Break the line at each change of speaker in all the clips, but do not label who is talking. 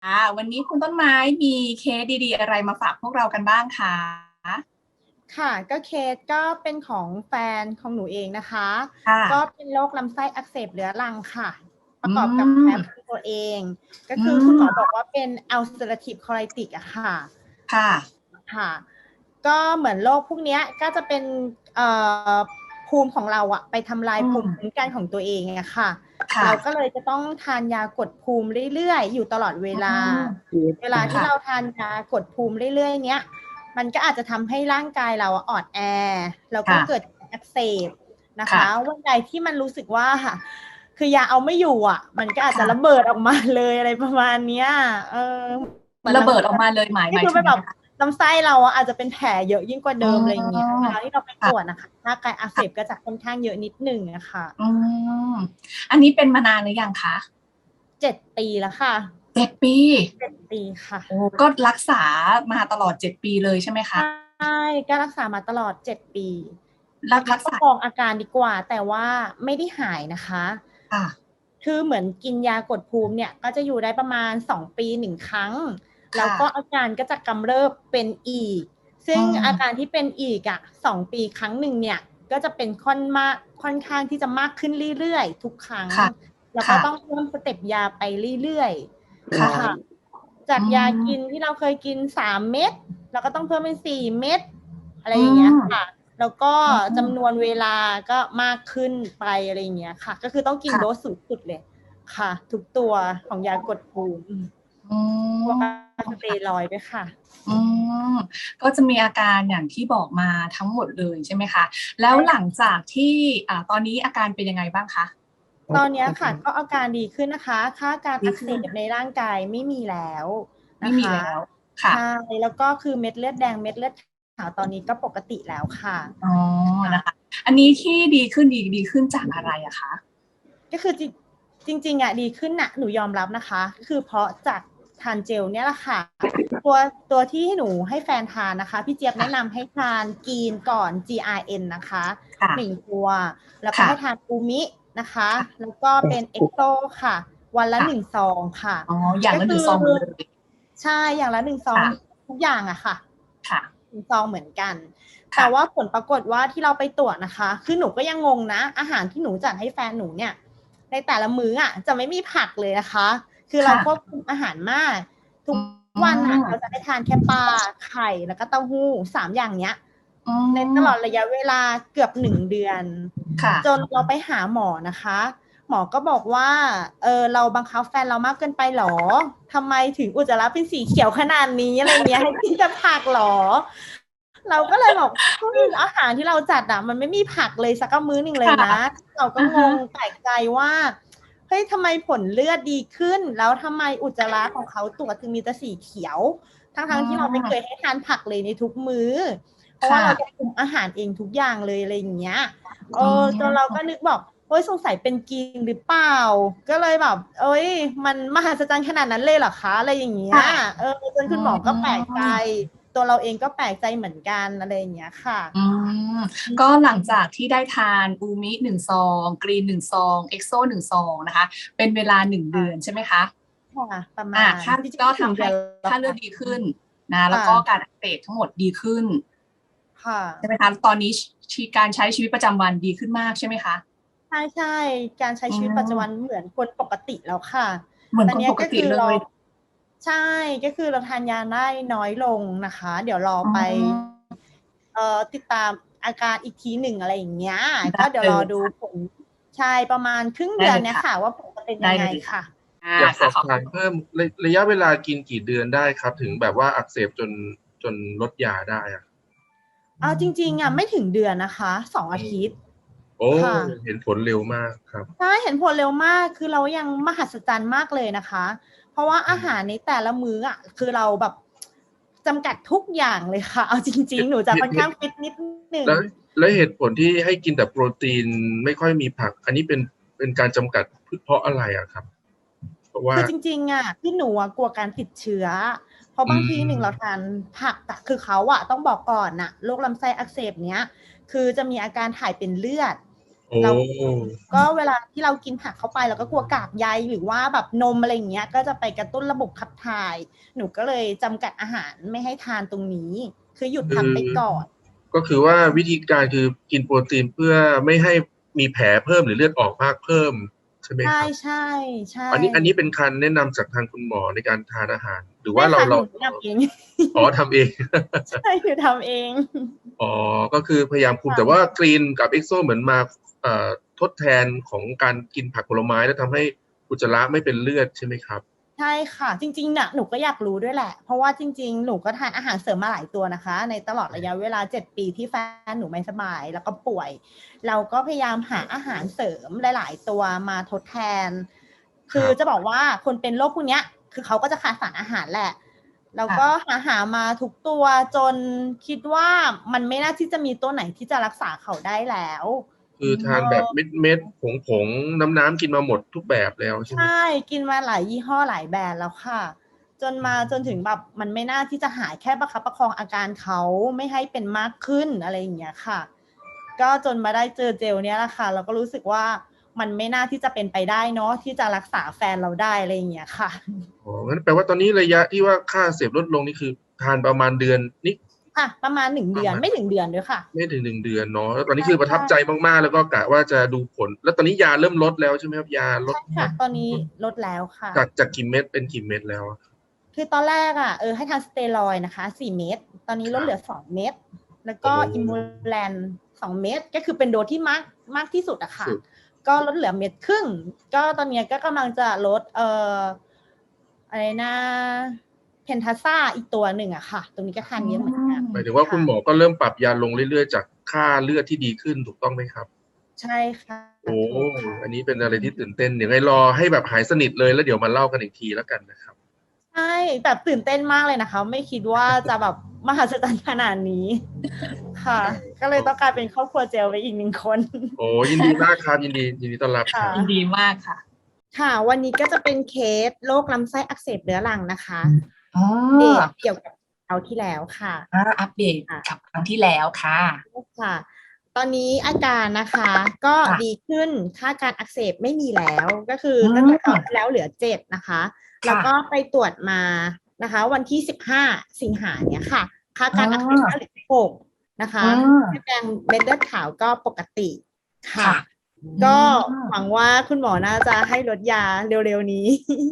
วันนี้คุณต้นไม้มีเคสดีๆอะไรมาฝากพวกเรากันบ้างคะ
ค่ะก็เคสก็เป็นของแฟนของหนูเองนะคะ
ค่ะ
ก็เป็นโรคลำไส้อักเสบเรื้อรังค่ะป
อื
ระกอบกับแพ้ภู
ม
มิตัวเองก็
อื
คือคุณหมอบอก
ม
ว่าเป็น ulcerative colitis อะค่ะ
ค่ะ
ค่ะก็เหมือนโรคพวกนี้ก็จะเป็นเอ่อภูมิของเราอะไปทำลาย
อื
ภูมิคุ้ม
ม
กันของตัวเองอะค่ะ
ค่ะ
เราก็เลยจะต้องทานยากดภูมิเรื่อยๆอยู่ตลอดเว
อื
ลา
ม
เวลาที่
ค่ะ
เราทานยากดภูมิเรื่อยๆเนี้ย มันก็อาจจะทำให้ร่างกายเราอ่อนแอแล้วก็
ค่ะ
เกิดอักเสบนะคะ
ค่ะ
วันใดที่มันรู้สึกว่าคือยาเอาไม่อยู่อ่ะมันก็อาจจะระ
ค่ะ
เบิดออกมาเลยอะไรประมาณเนี้ยเออเหมือน
ระ
บางที
เบิดออกมาเลยหมาย
นี่คือเป็นแบบ
หมายถึงยังไงคะ
ลำไส้เราอะอาจจะเป็นแผลเยอะยิ่งกว่า
อ๋
เดิมอะไรอย่างเงี้ย
อ
เวลาที่เราไปตรวจ
ค่ะ
นะคะร่างกายอักเสบก็จะค่อนข้างเยอะนิดหนึ่งอะค่ะ
อืมอันนี้เป็นมานานหรือยังคะ
7 ปีแล้วค่ะ
7 ปี
7 ปีค่ะ
โอ้ก็รักษามาตลอด7 ปีเลยใช่ไหมคะ
ใช่ก็รักษามาตลอด7 ปี
รั
ประคับประ
กษา
คองอาการดีกว่าแต่ว่าไม่ได้หายนะคะ
ค่ะ
คือเหมือนกินยากดภูมิเนี่ยก็จะอยู่ได้ประมาณ2 ปี1 ครั้งแล้ว
ค่ะ
ก็อาการก็จะกำเริบเป็นอีก
อื
ซึ่งอาการ
ม
ที่เป็นอีก2 ปีครั้งหนึ่งเนี่ยก็จะเป็นค่อนข้างที่จะมากขึ้นเรื่อยๆทุกครั้ง
ค่ะ
แล้วก็
ค่ะ
ต้องเพิ่มสเต็ปยาไปเรื่อยๆค่ะ
ค่ะ
จาก
อื
ยากิน
ม
ที่เราเคยกิน3 เม็ดเราก็ต้องเพิ่มเป็น4 เม็ดอะไร
อื
อย่างเงี้ยค่ะ
ม
แล้วก็
อื
จำน
ม
วนเวลาก็มากขึ้นไปอะไรอย่างเงี้ยค่ะก็คือต้องกินโดส
ค่ะ
สูงสุดเลยค่ะทุกตัวของยากดภูมิ
อื
พวก
ม
สเตียรอยด์ด้วยค่ะ
อืมก็จะมีอาการอย่างที่บอกมาทั้งหมดเลยใช่ไหมคะ แล้วหลัง
ใช่
จากที่ตอนนี้อาการเป็นยังไงบ้างคะ
ตอนนี้ค่ะก็อาการดีขึ้นนะคะค่าการอักเส
ดีขึ้น
บในร่างกายไม่มีแล้ว
ไม่
นะคะ
มีแล้วค่ะ
ใช่แล้วก็คือเม็ดเลือดแดงเม็ดเลือดขาวตอนนี้ก็ปกติแล้วค่ะ
อ๋อ
ค่ะ
นะคะอันนี้ที่ดีขึ้นดีขึ้นจากอะไรอะคะ
ก็คือจริงๆอ่ะดีขึ้นนะหนูยอมรับนะคะก็คือเพราะจากทานเจลเนี่ยแหละค่ะ ตัวตัวที่หนูให้แฟนทานนะคะพี่เจี๊ยบแนะ
ค่ะ
นำให้ทานกีนก่อน GRN นะคะ
ค่ะ
1 ตัวแล้วก็
ค่ะ
ให้ทานอูมินะคะ
ค่ะ
แล้วก็เป็นเอ็กโซค่ะวันละ
ค่ะ
1 ซองค่ะ
อ๋ออย่าง
ก็คือ
ละหนึ่งซองหมดเลย
ใช่อย่างละ1 ซอง
ค่ะ
ทุกอย่างอะค่ะ
ค่ะ
1 ซองเหมือนกันแต่
ค่ะ
ว่าผลปรากฏว่าที่เราไปตรวจนะคะคือหนูก็ยังงงนะอาหารที่หนูจัดให้แฟนหนูเนี่ยในแต่ละมื้ออะจะไม่มีผักเลยนะคะคือเราควบ
ค่ะ
คุมอาหารมากทุ
อื
ก วันอ่ะเราจะ
ม
ได้ทานแค่ปลาไข่แล้วก็เต้าหู้3 อย่างเนี้ย
อื
ในตลอด
ม
ระยะเวลาเกือบ1 เดือน
ค่ะ
จนเราไปหาหมอนะคะหมอก็บอกว่าเราบังคับแฟนเรามากเกินไปหรอทำไมถึงอุจจาระเป็นสีเขียวขนาดนี้อะไรเงี้ยให้กินแต่ผักหรอเราก็เลยบอกเฮ้ยอาหารที่เราจัดอ่ะมันไม่มีผักเลยสักมื้อหนึ่งเลย
ค่ะ
นะเราก็
อ่าฮะ
งงแปลกใจว่าเฮ้ยทำไมผลเลือดดีขึ้นแล้วทำไมอุจจาระของเขาตรวจถึงมีแต่สีเขียว ทั้ง
อื
ทั้งที่เราไม่เคย
ม
ให้ทานผักเลยในทุกมื้อเพราะว่า
ค่ะ
เราจะคุมอาหารเองทุกอย่างเลยอะไรอย่างเงี้ย
อื
จนเราก็
ม
นึกบอกเฮ้ยสงสัยเป็นกีนหรือเปล่าก็เลยแบบเอ้ยมันมหัศจรรย์ขนาดนั้นเลยเหรอคะอะไรอย่างเงี้ย
ค่ะ
จน
อื
คุณหมอก็แปลกใจ
ม
ตัวเราเองก็แปลกใจเหมือนกันอะไรอย่างเงี้ยค่ะ
อืมก็หลังจากที่ได้ทานอูมิหนึ่งซองกรีนหนึ่งซองเอ็กโซหนึ่งซองนะคะเป็นเวลา1 เดือนใช่ไหมคะ
ค่ะประมาณ
ค่า
จริงๆ
ก็ทำให้
ไม่ถึงเดือนแล้ว
ค่าเลือ
ค่ะ
ดดีขึ้นนะแล้ว
ค่ะ
ก็การอักเสบทั้งหมดดีขึ้น
ค่ะ
ใช่ไหมคะตอนนี้การใช้ชีวิตประจำวันดีขึ้นมากใช่ไหมคะ
ใช่ใช่การใช้
อื
ชีวิตปัจจุบัน
ม
เหมือนคนปกติแล้วค่ะ
เหมือนคนปก
ตอนนี้ก็คือเรา
ติเลย
ใช่ก็คือเราทานยาได้น้อยลงนะคะเดี๋ยวรอ
อื
ไป
ม
ติดตามอาการอีกทีหนึ่งอะไรอย่างเงี้ยก็
ได้เลย
เดี๋ยวรอดูผลใช่ประมาณครึ่ง
ได้เลยค่ะ
เดือนเนี้ยค่ะว่าผลจะเป็นยังไง
ได้เลยค่ะ
ค่ะ
อยากสอบ
ค่ะขอบคุณ
ถามเพิ่มระยะเวลากินกี่เดือนได้ครับถึงแบบว่าอักเสบจนลดยาได้อะ
เอาจริงๆอ่ะไม่ถึงเดือนนะคะ2 อาทิตย์
โอ้
ค่ะ
เห็นผลเร็วมากครับ
ใช่เห็นผลเร็วมากคือเรายังมหัศจรรย์มากเลยนะคะเพราะว่าอาหารในแต่ละมื้ออ่ะคือเราแบบจำกัดทุกอย่างเลยค่ะเอาจริงๆหนูจะค่อนข้างฟิตนิดหนึ่ง
แล้วเหตุผลที่ให้กินแต่โปรตีนไม่ค่อยมีผักอันนี้เป็นการจำกัดเพราะอะไรอะครับเพราะว่า
คือจริงๆอ่ะที่หนูกลัวการติดเชื้อเพราะ
อื
บางทีหนึ่งเรา
ม
ทานผักอะคือเขาอะต้องบอกก่อนน่ะโรคลำไส้อักเสบเนี้ยคือจะมีอาการถ่ายเป็นเลือด
โอ้
เราก็เวลาที่เรากินผักเข้าไปเราก็กลัวกากใยหรือว่าแบบนมอะไรอย่างเงี้ยก็จะไปกระตุ้นระบบขับถ่าย หนูก็เลยจำกัดอาหารไม่ให้ทานตรงนี้ คือหยุดทำไปก่อน
ก็คือว่าวิธีการคือกินโปรตีนเพื่อไม่ให้มีแผลเพิ่มหรือเลือดออกมากเพิ่มใช่ไหมค
ใช่
รับ
ใช่ใช่
อันนี้เป็นการแนะนำจากทางคุณหมอในการทานอาหาร หรือว่า
ใช่
เรา
ค่ะห
เรา
นูทำเอง
อ๋อทำเอง
ใช่หนูทำเอง
อ๋อก็คือพยายามคุม
ค่ะ
แต่ว่ากรีนกับเอ็กโซเหมือนมาทดแทนของการกินผักผลไม้แล้วทำให้อุจจาระไม่เป็นเลือดใช่ไหมครับ
ใช่ค่ะ จริงๆน่ะหนูก็อยากรู้ด้วยแหละ เพราะว่าจริงๆหนูก็ทานอาหารเสริมมาหลายตัวนะคะ ในตลอดระยะเวลา7 ปีที่แฟนหนูไม่สบายแล้วก็ป่วย เราก็พยายามหาอาหารเสริมหลายๆตัวมาทดแทน คือจะบอกว่าคนเป็นโรคพวกเนี้ยคือเขาก็จะขาดสารอาหารแหละแล้วก็หามาทุกตัวจนคิดว่ามันไม่น่าที่จะมีตัวไหนที่จะรักษาเขาได้แล้ว
คือทานแบบเม็ดผงน้ำกินมาหมดทุกแบบแล้วใช่ไหม
ใช่กินมาหลายยี่ห้อหลายแบรนด์แล้วค่ะจนถึงแบบมันไม่น่าที่จะหายแค่ประคับประคองอาการเขาไม่ให้เป็นมากขึ้นอะไรอย่างเงี้ยค่ะ ก็จนมาได้เจอเจลเนี้ยแหละค่ะเราก็รู้สึกว่ามันไม่น่าที่จะเป็นไปได้เนาะที่จะรักษาแฟนเราได้อะไรอย่างเงี้ยค่ะ
อ๋องั้นแปลว่าตอนนี้ระยะที่ว่าค่าเสพลดลงนี่คือทานประมาณเดือนนี่
ค่ะ ประมาณ1 เดือนไม่ถึงเดือนด้วยค่ะ
ไม่ถึง1 เดือนเนาะแล้วตอนนี้คือประทับใจมากๆแล้วก็กะว่าจะดูผล แล้วตอนนี้ยาเริ่มลดแล้วใช่ไหมครับยาลด
ใช่ค่ะ ตอนนี้ลดแล้วค่ะ
จากกี่เม็ดเป็นกี่เม็ดแล้วอะ
คือตอนแรกให้ทานสเตียรอยด์นะคะ4 เม็ดตอนนี้ลดเหลือ2 เม็ดแล้วก็อิมูแลน2 เม็ดก็คือเป็นโดสที่มากที่สุดอะค่ะ ก็ลดเหลือ1.5 เม็ดก็ตอนนี้ก็กำลังจะลดอะไรนะเพนทาซ่าอีกตัวหนึ่งอะค่ะ ตรงนี้ก็ทานเยอะเหมือนกัน
หมายถึงว่าคุณหมอก็เริ่มปรับยาลงเรื่อยๆจากค่าเลือดที่ดีขึ้นถูกต้องไหมครับ
ใช่ค่ะ
โอ้
ถูกค่ะ
อันนี้เป็นอะไรที่ตื่นเต้นเดี๋ยวไงรอให้แบบหายสนิทเลยแล้วเดี๋ยวมาเล่ากันอีกทีแล้วกันนะครับ
ใช่แบบตื่นเต้นมากเลยนะคะ ไม่คิดว่าจะแบบมหัศจรรย์ขนาดนี้ค่ะ ก็เลยต้องกลายเป็นครอบครัวเจลไปอีก1 คน
โอ้ยินดีมากครับยินดีต้อนรับครับ
ยินดีมากค่ะ
ค่ะ วันนี้ก็จะเป็นเคสโรคลำไส้อักเสบเรื้อรังนะคะ
อ๋อ
เดตเกี่ยวกับเอาที่แล้วค่ะ
อัปเดตกับครั้งที่แล้วค่ะ
ค่ะ ตอนนี้อาการนะคะ ก็
ค่ะ
ดีขึ้นค่าการอักเสบไม่มีแล้วก็คือ
อืม
ตั้งแต่ตอนที่แล้วเหลือ7นะคะ
ค่ะ
แล้วก็ไปตรวจมานะคะ วันที่15 สิงหาเนี่ยค่ะ ค่าการอักเสบก็เหลือ6นะคะ เม็ดแดงเม็ดเลือดขาวก็ปกติค่ะ
ค่ะ
ก็หวังว่าคุณหมอน่าจะให้ลดยาเร็วๆนี้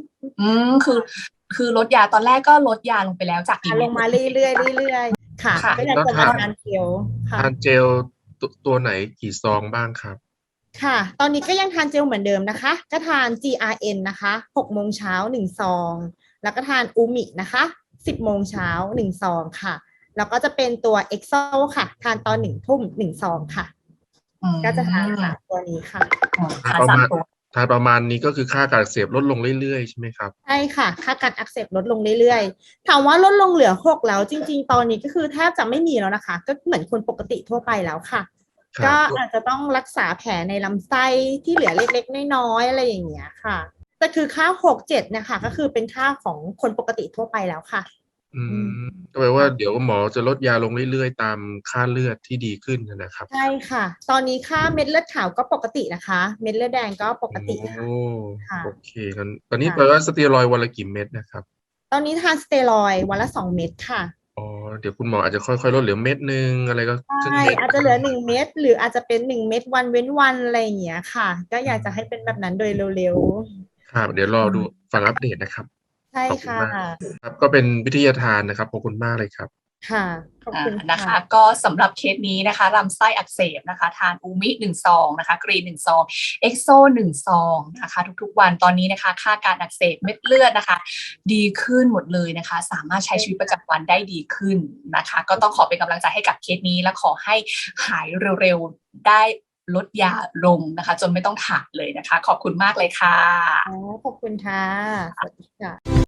คือลดยาตอนแรกก็ลดยาลงไปแล้วจากกี่
ล
เม็ด
งมาเรื่อยๆค่ะ
ค่ะ
ก็อยากจะมาทานเจลค่ะ
ทานเจลตัวไหนกี่ซองบ้างครับ
ค่ะ ตอนนี้ก็ยังทานเจลเหมือนเดิมนะคะ ก็ทาน GRN นะคะ6 โมงเช้า1 ซอง แล้วก็ทานอูมินะคะ10 โมงเช้า1 ซองค่ะ แล้วก็จะเป็นตัว EXO ค่ะ ทานตอน1 ทุ่ม1 ซองค่ะ ก็จะทาน3 ตัวนี้ค่ะ
ทานสามตัว
ทานประมาณนี้ก็คือค่าการอักเสบลดลงเรื่อยๆใช่ไหมครับ
ใช่ค่ะ ค่าการอักเสบลดลงเรื่อยๆ ถามว่าลดลงเหลือ6แล้วจริงๆ ตอนนี้ก็คือแทบจะไม่มีแล้วนะคะ ก็เหมือนคนปกติทั่วไปแล้วค่ะ
ครับ
ก็อาจจะต้องรักษาแผลในลำไส้ที่เหลือเล็กๆน้อยๆอะไรอย่างเงี้ยค่ะ แต่คือค่า6-7นะคะก็คือเป็นค่าของคนปกติทั่วไปแล้วค่ะ
ก็แปลว่าเดี๋ยวหมอจะลดยาลงเรื่อยๆตามค่าเลือดที่ดีขึ้นนะครับ
ใช่ค่ะ ตอนนี้ค่าเม็ดเลือดขาวก็ปกตินะคะ เม็ดเลือดแดงก็ปกติค่ะ
โอ้
ค่ะ
โอเคงั้นตอนนี้แปลว่าสเตียรอยด์วันละกี่เม็ดนะครับ
ตอนนี้ทานสเตียรอยด์วันละ2 เม็ดค่ะ
อ๋อเดี๋ยวคุณหมออาจจะค่อยๆลดเหลือเม็ดนึงอะไรก็ครึ่ง
ใช่
เม็ด
อาจจะเหลือ1 เม็ดหรืออาจจะเป็น1 เม็ดวันเว้นวันอะไรอย่างเงี้ยค่ะ ก็อยากจะให้เป็นแบบนั้นโดยเร็ว
ครับเดี๋ยวรอดูฟังอัปเดตนะครับ
ๆ ใช่
ขอบคุณ
ค่ะ
มาก ครับก็เป็นวิทยาทานนะครับขอบคุณมากเลยครับ
ค่ะ ขอบคุณ
นะคะ
ค่ะ
ก็สำหรับเคสนี้นะคะลำไส้อักเสบนะคะ ทานอูมิ1 ซองนะคะ กรีน1 ซองเอ็กโซ1 ซองนะคะ ทุกๆวันตอนนี้นะคะ ค่าการอักเสบเม็ดเลือดนะคะ ดีขึ้นหมดเลยนะคะ สามารถใช้ชีวิตประจำวันได้ดีขึ้นนะคะ ก็ต้องขอเป็นกำลังใจให้กับเคสนี้และขอให้หายเร็วๆได้ลดยาลงนะคะ จนไม่ต้องถ่ายเลยนะคะ ขอบคุณมากเลยค่ะ
ขอบคุณค่ะ สวัสดีค่ะ